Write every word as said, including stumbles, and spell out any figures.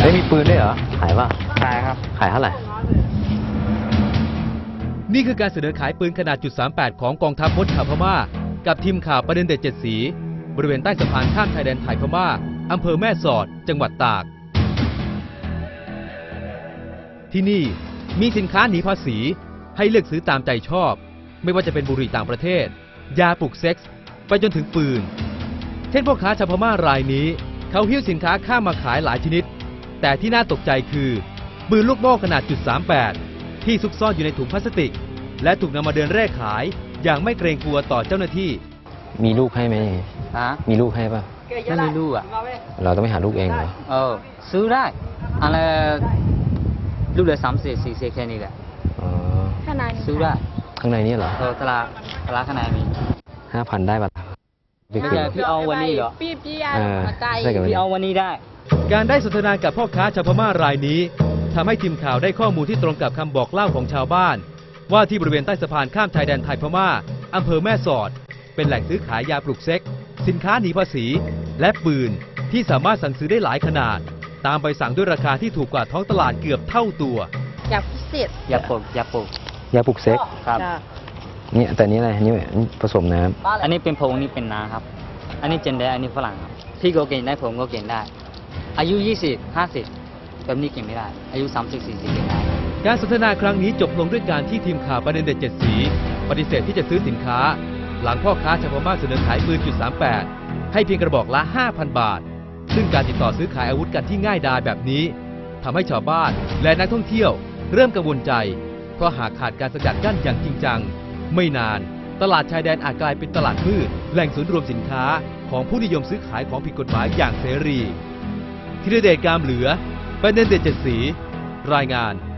ฮ้ยมีปืนด้วยเหรอขายป่ะขายครับขายเท่าไหร่นี่คือการเสนอขายปืนขนาดจุดสามแปดของกองทัพมดชาวพม่ากับทีมข่าวประเด็นเด็ดเจ็ดสีบริเวณใต้สะพานข้ามชายแดนไทยพม่าอำเภอแม่สอดจังหวัดตากที่นี่มีสินค้าหนีภาษีให้เลือกซื้อตามใจชอบไม่ว่าจะเป็นบุหรี่ต่างประเทศยาปลุกเซ็กส์ไปจนถึงปืนเช่นพ่อค้าชาวพม่ารายนี้เขาหิ้วสินค้าข้ามมาขายหลายชนิดแต่ที่น่าตกใจคือปืนลูกโม่ขนาดจุดสามแปดที่ซุกซ่อนอยู่ในถุงพลาสติกและถูกนำมาเดินเร่ขายอย่างไม่เกรงกลัวต่อเจ้าหน้าที่มีลูกให้ไหมฮะมีลูกให้ป่ะไม่มีลูกอ่ะเราต้องไปหาลูกเองเหรอเออซื้อได้อะไรลูกเลยสามสิบสี่สิบแค่นี้แหละอ๋อซื้อได้ข้างในนี่เหรอเออตลาดตลาดข้างในมีห้าพันได้ป่ะไม่ใช่พี่เอาวันนี้เหรอพี่พี่ยาใจพี่เอาวันนี้ได้การได้สนทนากับพ่อค้าชาวพม่ารายนี้ทำให้ทีมข่าวได้ข้อมูลที่ตรงกับคำบอกเล่าของชาวบ้านว่าที่บริเวณใต้สะพานข้ามชายแดนไทยพม่าอำเภอแม่สอดเป็นแหล่งซื้อขายยาปลุกเซ็กสินค้าหนีภาษีและปืนที่สามารถสั่งซื้อได้หลายขนาดตามใบสั่งด้วยราคาที่ถูกกว่าท้องตลาดเกือบเท่าตัวยาพิเศษยาปลุกยาปลุกยาปลุกเซ็กครับเนี่ยแต่นี้อะไรนี่ผสมน้ำอันนี้เป็นผงนี่เป็นน้ำครับอันนี้เจนได้อันนี้ฝรั่งครับพี่ก็เก่งได้ผมก็เก่งได้อายุยี่สิบ ห้าสิบแบบนี้เก่งไม่ได้อายุสามสิบ สี่สิบเก่งได้การสนทนาครั้งนี้จบลงด้วยการที่ทีมข่าวประเด็นเด็ดเจ็ดสีปฏิเสธที่จะซื้อสินค้าหลังพ่อค้าชาวพม่าเสนอขายปืนจุดสามแปดให้เพียงกระบอกละ ห้าพัน บาทซึ่งการติดต่อซื้อขายอาวุธกันที่ง่ายดายแบบนี้ทำให้ชาวบ้านและนักท่องเที่ยวเริ่มกังวลใจเพราะหากขาดการสกัดกั้นอย่างจริงจังไม่นานตลาดชายแดนอาจกลายเป็นตลาดมืดแหล่งศูนย์รวมสินค้าของผู้นิยมซื้อขายของผิดกฎหมายอย่างเสรีธีรเดช กามเหลือประเด็นเด็ดเจ็ดสีรายงาน